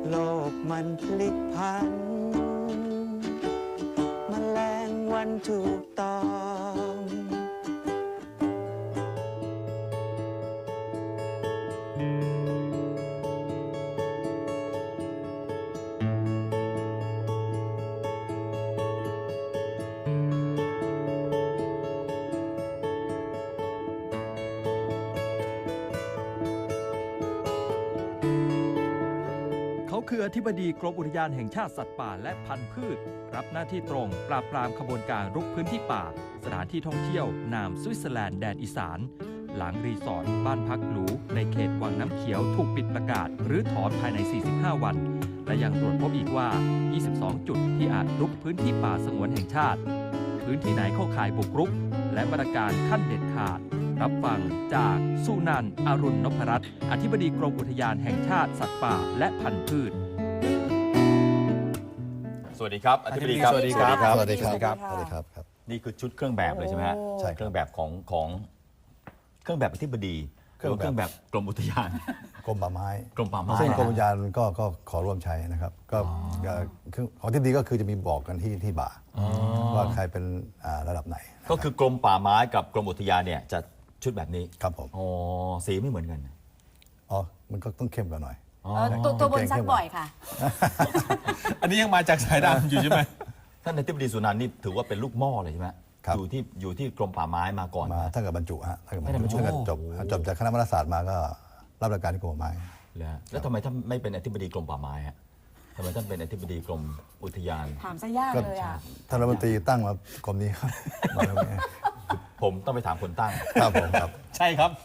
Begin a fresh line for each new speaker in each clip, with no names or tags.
โลกมันพลิกผันแมลงวันถูกต้อง
เขาคืออธิบดีกรมอุทยานแห่งชาติสัตว์ป่าและพันธุ์พืชรับหน้าที่ตรงปราบปรามขบวนการรุกพื้นที่ป่าสถานที่ท่องเที่ยวนามสวิตเซอร์แลนด์แดนอีสานหลังรีสอร์ทบ้านพักหรูในเขตวังน้ำเขียวถูกปิดประกาศหรือถอนภายใน 45 วันและยังตรวจพบอีกว่า 22 จุดที่อาจรุกพื้นที่ป่าสงวนแห่งชาติพื้นที่ไหนเข้าข่ายบุกรุกและมาตรการขั้นเด็ดขาดรับฟังจากสุนันท์อรุณนพรัตน์อธิบดีกรมอุทยานแห่งชาติสัตว์ป่าและพันธุ์พืช
สวัสดีครับอธิบดีครับ
สวัสดีครับ
สวัสดีครับ
สวัสดีครับ
นี่คือชุดเครื่องแบบเลยใช่ไหมฮะ
ใช่ครับ
เครื่องแบบของเครื่องแบบอธิบดีเครื่องแบบกรมอุทยาน
กรมป่าไม้
กรมป่าไม้
ซึ่งกรมอุทยานก็ขอร่วมใช้นะครับก็ของที่ดีก็คือจะมีบอกกันที่บ่าว่าใครเป็นระดับไหนนะ
ก็คือกรมป่าไม้กับกรมอุทยานเนี่ยจะชุดแบบนี้
ครับผม
อ๋อสีไม่เหมือนกัน
อ๋อมันก็ต้องเข้มกว่าหน่อย
ตัวบนซักบ่อยค่ะ
อันนี้ยังมาจากสายดำอยู่ใช่ไหม
ท่านอธิบดีสุนันท์นี่ถือว่าเป็นลูกหม้อเลยใช่ไหม
ครับ
อยู่ที่กรมป่าไม้มาก่อน
มาถ้าเกิดบรรจุฮะถ้าเกิด
ไม่ได้บรรจุ
ถ้าเกิดจบจากคณะวารศาสตร์มาก็รับราชการที่กรมป่าไม้
แล้วทำไมท่านไม่เป็นอธิบดีกรมป่าไม้ฮะทำไมท่านเป็นอธิบดีกรมอุทยาน
ถามซะยากเลยอ่ะ
ท่านรัฐมนตรีตั้งมากรมนี้ครับมาแล้วเนี่ย
ผมต้องไปถามคนตั้ง
ครับผมครับ
ใช่ครับ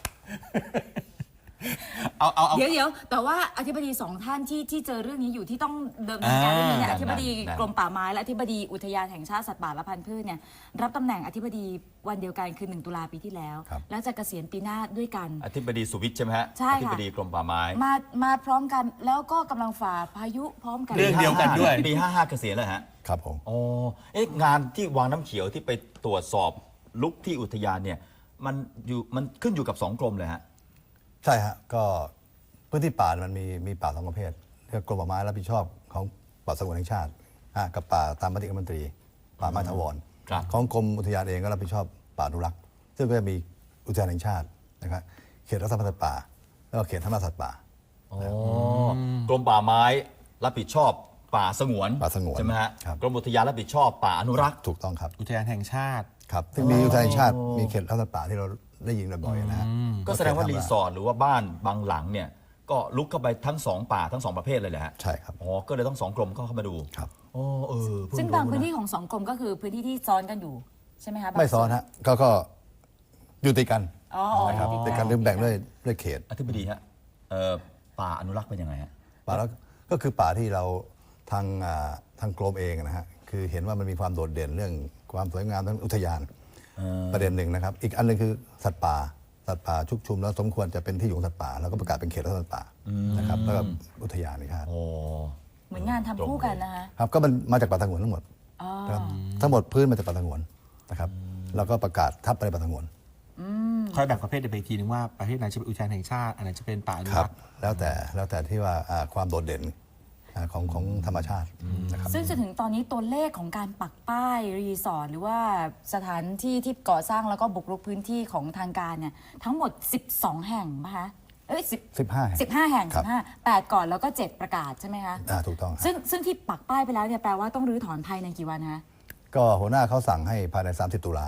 เอา
เดี๋ยวแต่ว่าอธิบดีสองท่านที่เจอเรื่องนี้อยู่ที่ต้องเดินการเรื่องนี้เนี่ย
อ่า
อธิบดี
นั่น
กรมป่าไม้และอธิบดีอุทยานแห่งชาติสัตว์ป่าและพันธุ์พืชเนี่ยรับตำแหน่งอธิบดีวันเดียวกันคือ1 ตุลาปีที่แล้ว
ครับ
แล้วจะเกษียณปีหน้าด้วยกัน
อธิบดีสุวิทย์ใช่ไหมฮะ
ใช่ค่ะ
อธิบดีกรมป่าไม้
มาพร้อมกันแล้วก็กำลังฝ่าพายุพร้อมกัน
เรื่องเดียวกันด้วย
ปี55เกษียณแล้วฮะ
ครับผม
อ๋องานที่วังน้ำเขียวที่ไปตรวจสอบลุกที่อุทยานเนี่ยมันขึ้นอยู่กับ2 กรมเลยฮะ
ใช่ฮะก็พื้นที่ป่ามันมีป่า2 ประเภทเรียกกรมป่าไม้รับผิดชอบของป่าสงวนแห่งชาติกับป่าตามมติคณะรัฐมนตรีป่าไม้ถาวร
ครับ
ของกรมอุทยานเองก็รับผิดชอบป่าอนุรักษ์ซึ่งก็จะมีอุทยานแห่งชาตินะครับเขตรักษาพันธุ์สัตว์ป่าแล้วก็เขตธรรมสัตว์ป่า
กรมป่าไม้รับผิดชอบป่าสงวน
ป่าสงวน
ใช่ไหมฮะ
ครับ
กรมอุทยานรับผิดชอบป่าอนุรักษ์
ถูกต้องครับ
อุทยานแห่งชาติ
ครับซึ่งมีอุทยานแห่งชาติมีเขตรักษาพันธุ์ป่าที่เราได้ยินบ่อยๆนะฮะ
ก็แสดงว่ารีสอร์ทหรือว่าบ้านบางหลังเนี่ยก็ลุกเข้าไปทั้ง2 ป่าทั้ง2 ประเภทเลยแหละฮะ
ใช่ครับ
อ๋อก็เลยต้อง2 กรมเข้ามาดู
ครับ
อ๋อเพิ่
ซึ่ง
รู้
บางพื้นที่
ะ
ของ2 กรมก็คือพื้นที่ที่ซ้อนกันอยู่ใช่ไหมคะ
ไม่ซ้อนฮะก็อยู่ติดกัน
อ๋อ
นะครับติดกันหรือแบ่งด้วยเขต
อธิบดีฮะป่าอนุรักษ์เป็นยังไงฮะ
ป่าแล้วก็คือป่าที่เราทางกรมเองนะฮะคือเห็นว่ามันมีความโดดเด่นเรื่องความสวยงามทั้งอุทยานประเด็นหนึ่งนะครับอีกอันหนึงคือสัตว์ป่าชุกชุมแล้วสมควรจะเป็นที่อยู่ของสัตว์ป่าแล้วก็ประกาศเป็นเขตรักษาพันธุ์สัตว์ป่านะครับแล้วก็อุทยานนะครับ
โอ้
เหมือนงานทำคู่กันนะคะ
ครับก็มันมาจากป่าสงวนทั้งหมด
อ๋อ
ครับทั้งหมดพื้นมาจากป่าสงวนนะครับแล้วก็ประกาศทับไปในป่าสงวน
คอยแบ่งประเภทไปอีกทีนึงว่าประเภทไหนจะเป็นอุทยานแห่งชาติอันไหนจะเป็นป่าอนุ
ครั
รับ กษ์
แล้วแต่ที่ว่าความโดดเด่นของธรรมชาตินะครับ
ซึ่งจนถึงตอนนี้ตัวเลขของการปักป้ายรีสอร์ทหรือว่าสถานที่ที่ก่อสร้างแล้วก็บุกรุกพื้นที่ของทางการเนี่ยทั้งหมด 12 แห่งป่ะคะเอ้ย
15 แห่ง
15 แห่ง
ครับ
8 ก่อนแล้วก็ 7 ประกาศใช่ไหมคะ
ถูกต้องครับ
ซึ่งที่ปักป้ายไปแล้วเนี่ยแปลว่าต้องรื้อถอนภายในกี่วันคะ
ก็หัวหน้าเขาสั่งให้ภายใน30 ตุลา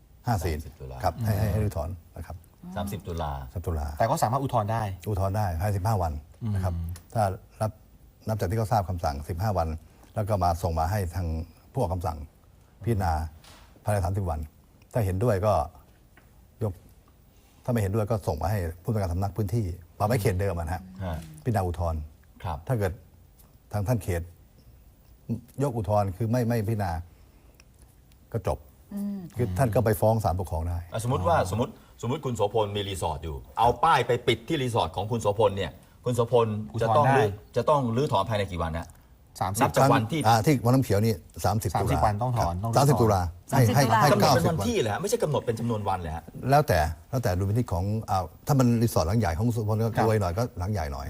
30 ตุลา
ครับให้รื้อถอนนะครับ
30 ตุลา
30 ตุลา
แต่ก็สามารถอุทธรณ์ได้
อุทธรณ์ได้ภายใน15 วันนะครับถ้านับจากที่เขาทราบคำสั่ง 15 วัน แล้วก็มาส่งมาให้ทางผู้ออกคำสั่งพิจารณาภายใน30 วัน ถ้าเห็นด้วยก็ยกถ้าไม่เห็นด้วยก็ส่งมาให้ผู้ตรวจการสำนักพื้นที่ป่าไม้เขตเดิมนะฮะ
ฮะ
พิจารณาอุทธรณ์
ครับ
ถ้าเกิดทางท่านเขต ยกอุทธรณ์คือไม่พิจารณาก็จบคือท่านก็ไปฟ้องศาลปกครองได้
สมมติคุณโสพลมีรีสอร์ทอยู่ เอาป้ายไปปิดที่รีสอร์ทของคุณโสพลเนี่ยคุณโสพล
อุท
จะ
ธรณ์
ต้อง
ได้
รื้อถอนภายในกี่วันนะ
30
นับ จากวันที่
ที่วังน้ำเขียวนี่30 ตุลา
30 วันต้องถอนต้อง
30 ตุลาให้
กำหนดเป็น
90
วัน
วัน
ที่เหรอฮะไม่ใช่กำหนดเป็นจำนวนวันเลยฮะ
แล้วแต่ดูพื้นที่ของถ้ามันรีสอร์ทหลังใหญ่ของสุพลก็รวยหน่อยก็หลังใหญ่หน่อย
รวย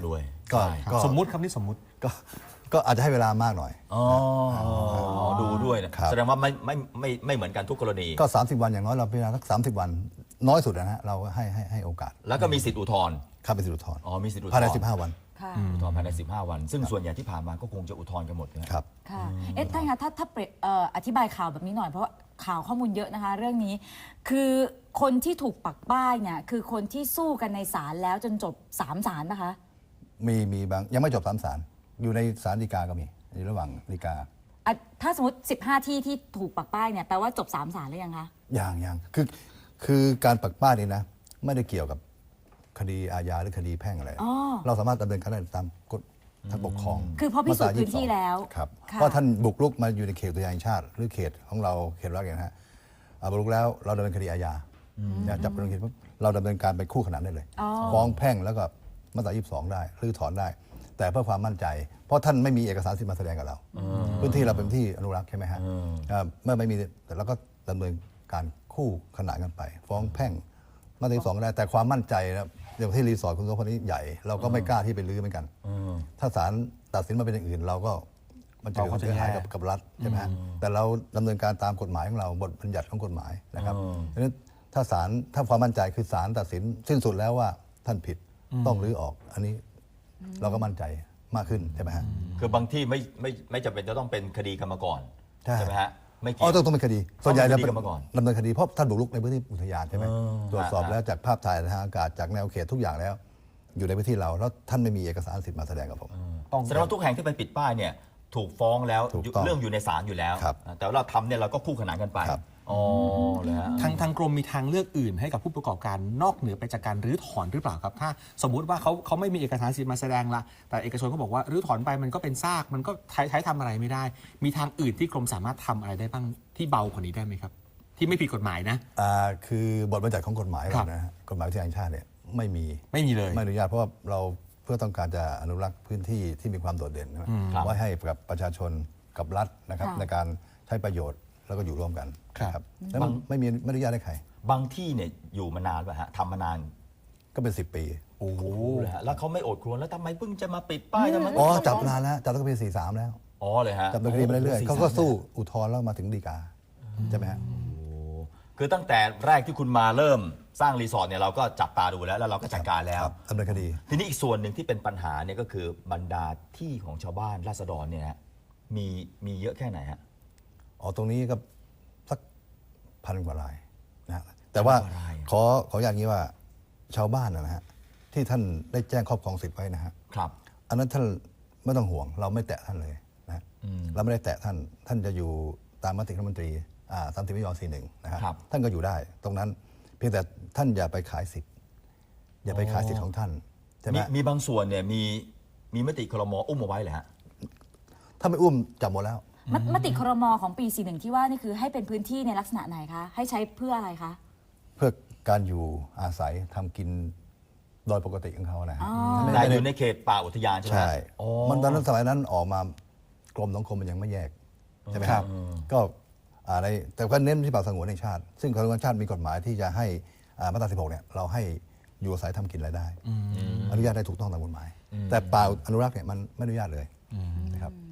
ก็
ใช่
ก็
สมมุติครับนี่สมมุติ
ก็อาจจะให้เวลามากหน่อย
อ๋อดูด้วยนะครับ แสดงว่าไม่เหมือนกันทุกกรณี
ก็ 30 วันอย่างน้อยเราพิจารณาสัก30 วันน้อยสุดนะฮะเราก็ให้โอกาส
แล้วก็มีสิทธิอุทธรณ์
เข้าไปสิทธิอุทธรณ์
อ๋อมีสิทธิอุทธรณ์
ภายใน15 วัน
ค่ะ
อุทธรณ์ภายใน15 วัน ซึ่งส่วนใหญ่ที่ผ่านมาก็คงจะอุทธรณ์กันหมดนะ
ครับ
ค่ะเอ๊ะท่านคะถ้าเปรียบอธิบายข่าวแบบนี้หน่อยเพราะว่าข่าวข้อมูลเยอะนะคะ เรื่องนี้คือคนที่ถูกปักป้ายเนี่ยคือคนที่สู้กันในศาลแล้วจนจบ3 ศาลนะคะ
มีบางยังไม่จบ3 ศาลอยู่ในศาลฎีกาก็มีอยู่ระหว่างฎีกา
อ่ะถ้าสมมติ15 ที่ที่ถูกปักป้ายเนี่ยแปลว่าจบ3 ศาลหรือยังคะ
อย่างคือการปักป้ายนี่นะไม่ได้เกี่ยวกับคดีอาญาหรือคดีแพ่งอะไร
อ๋อ
เราสามารถดำเนินการได้ตามกฎทางปกครอง
คือพอพิสูจน์
มาตรา
พื้นที่
22
แล้ว
ครับ
ค่ะ
เพราะท่านบุกรุกมาอยู่ในเขตอุทยานแห่งชาติ หรือเขตของเราเขตรักเนี่ยนะฮะบุกรุกแล้วเราดำเนินคดีอาญาจับดำเนินคดีปุ๊บเราดำเนินการไปคู่ขนานได้เลย
อ๋อ
ฟ้องแพ่งแล้วก็มาตรา22 ได้หรือถอนได้ แต่เพื่อความมั่นใจ เพราะท่านไม่มีเอกสารสิทธิ์มาแสดงกับเราพื้นที่เราเป็นที่อนุรักษ์ใช่ไหมฮะเมื่อไม่มีแต่เราก็ดำเนินการคู่ขนานกันไป ฟ้องแพ่งมาตรา22 ได้ แต่ความมั่นใจนะอย่างที่รีสอร์ทคุณโสพลนี้ใหญ่ เราก็ไม่กล้าที่ไปรื้อเหมือนกัน ถ้าศาลตัดสินมาเป็นอย่างอื่น เราก็มันจะเกิดความเสียหายกับรัฐใช่ไหมฮะแต่เราดำเนินการตามกฎหมายของเราบทบัญญัติของกฎหมายนะครับดังนั้นถ้าความมั่นใจคือศาลตัดสินสิ้นสุดแล้วว่าท่านผิดต้องรื้อออก อันนี้เราก็มั่นใจมากขึ้นใช่ไหมฮะ
คือบางที่ไม่จำเป็นจะต้องเป็นคดีกรรมก่อน
ใช่
ไหมฮะไม่เกี่
อ๋
ย
อ
ว
ต้องเป็นคดี ส่วนใหญ่
ต้อง
จะ
เป็นคดี
เป็น
กันมาก่อน
ดำเนินคดีเพราะท่านบุกรุกในพื้นที่อุทยานใช่ไหมตรวจสอบ
ฮะ
แล้วจากภาพถ่ายทางอากาศจากแนวเขตทุกอย่างแล้ว อยู่ในพื้นที่เราแล้วท่านไม่มีเอกสารสิทธิ์มาแสดงกับผม
แสดงว่าทุกแห่งที่ไปปิดป้ายเนี่ยถูกฟ้องแล้ว
ถูกต้อง
เรื่องอยู่ในศาลอยู่แล้ว
ครับ
แต่ว่าเราทำเนี่ยเราก็คู่ขนานกันไป
ครับ
อ๋อเลยฮะ
ทางกรมมีทางเลือกอื่นให้กับผู้ประกอบการนอกเหนือไปจากการรื้อถอนหรือเปล่าครับ ถ้าสมมุติว่าเขาไม่มีเอกสารสิทธิ์มาแสดงละแต่เอกชนก็บอกว่ารื้อถอนไปมันก็เป็นซากมันก็ใช้ทำอะไรไม่ได้ มีทางอื่นที่กรมสามารถทำอะไรได้บ้างที่เบากว่านี้ได้ไหมครับ ที่ไม่ผิดกฎหมายนะ
คือบทบัญญัติของกฎหมาย
ครั
เรา
บ
นะฮะกฎหมายวิทยาแห่งชาติเนี่ยไม่มี
ไม่มีเลย
ไม่อนุญาตเพราะว่าเราเพื่อต้องการจะอนุรักษ์พื้นที่ที่มีความโดดเด่นนะ
ครับ
ไว้ให้กับประชาชนกับรัฐนะครับ
ค่ะ
ในการใช้ประโยชน์แล้วก็อยู่ร่วมกัน
ครับ
แล้วมันไม่อนุญาตให้ใคร
บางที่เนี่ยอยู่มานานป่ะฮะทำมานาน
ก็เป็น10 ปี
โอ้โห
เลยฮะแล้วเขาไม่โอดครวญแล้วทำไมเพิ่งจะมาปิดป้ายทำไม
อ๋อจับนานแล้วจับตั้งแต่ปี43แล้ว
อ๋อเลยฮะ
จับดำเนินคดีมาเรื่อยๆเขาก็สู้อุทธรณ์แล้วมาถึงฎีกาใช่ไหมฮะ
คือตั้งแต่แรกที่คุณมาเริ่มสร้างรีสอร์ทเนี่ยเราก็จับตาดูแล้วเราก็จัดการแล้ว
ครับดำเนินคดี
ทีนี้อีกส่วนหนึ่งที่เป็นปัญหาเนี่ยก็คือบรรดาที่ของชาวบ้านราษฎรเนี่ยฮะมีเยอะแค่ไหนฮะ
อ๋อตรงนี้ก็สัก1,000 กว่ารายนะฮะแต่ว่า
1,000 กว่าราย
ขออย่างนี้ว่าชาวบ้านนะฮะที่ท่านได้แจ้งครอบครองสิทธิ์ไว้นะฮะ
ครับ
อันนั้นท่านไม่ต้องห่วงเราไม่แตะท่านเลยนะเราไม่ได้แตะท่านจะอยู่ตามมติคณะรัฐมนตรี30 มิถุนายน 41นะฮะ
ครับ
ท่านก็อยู่ได้ ตรงนั้นเพียงแต่ท่านอย่าไปขายสิทธิ์อย่าไปขายสิทธิ์ของท่านใช่ไหม
มีบางส่วนเนี่ยมีมติครมอุ้มเอาไว้เหรอฮะ
ถ้าไม่อุ้มจับหมดแล้ว
มติครมของปี 41 ที่ว่านี่คือให้เป็นพื้นที่ในลักษณะไหนคะ ให้ใช้เพื่ออะไรคะ
เพื่อการอยู่อาศัยทำกินโดยปกติของเขานะฮะ
แต่อยู่ในเขตป่าอุทยานใช่ไหม
ใช่
ฮะอ๋อ
มันตอนนั้นสมัยนั้นออกมากรมสังคมมันยังไม่แยกใช่ไหมครับก็อะไรแต่ก็เน้นที่ป่าสงวนแห่งชาติ ซึ่งป่าสงวนแห่งชาติมีกฎหมายที่จะให้มาตรา 16 เนี่ยเราให้อยู่อาศัยทำกินรายได้อนุญาตได้ถูกต้องตามกฎหมาย แต่ป่าอนุรักษ์เนี่ยมันไม่อนุญาตเลยนะครับ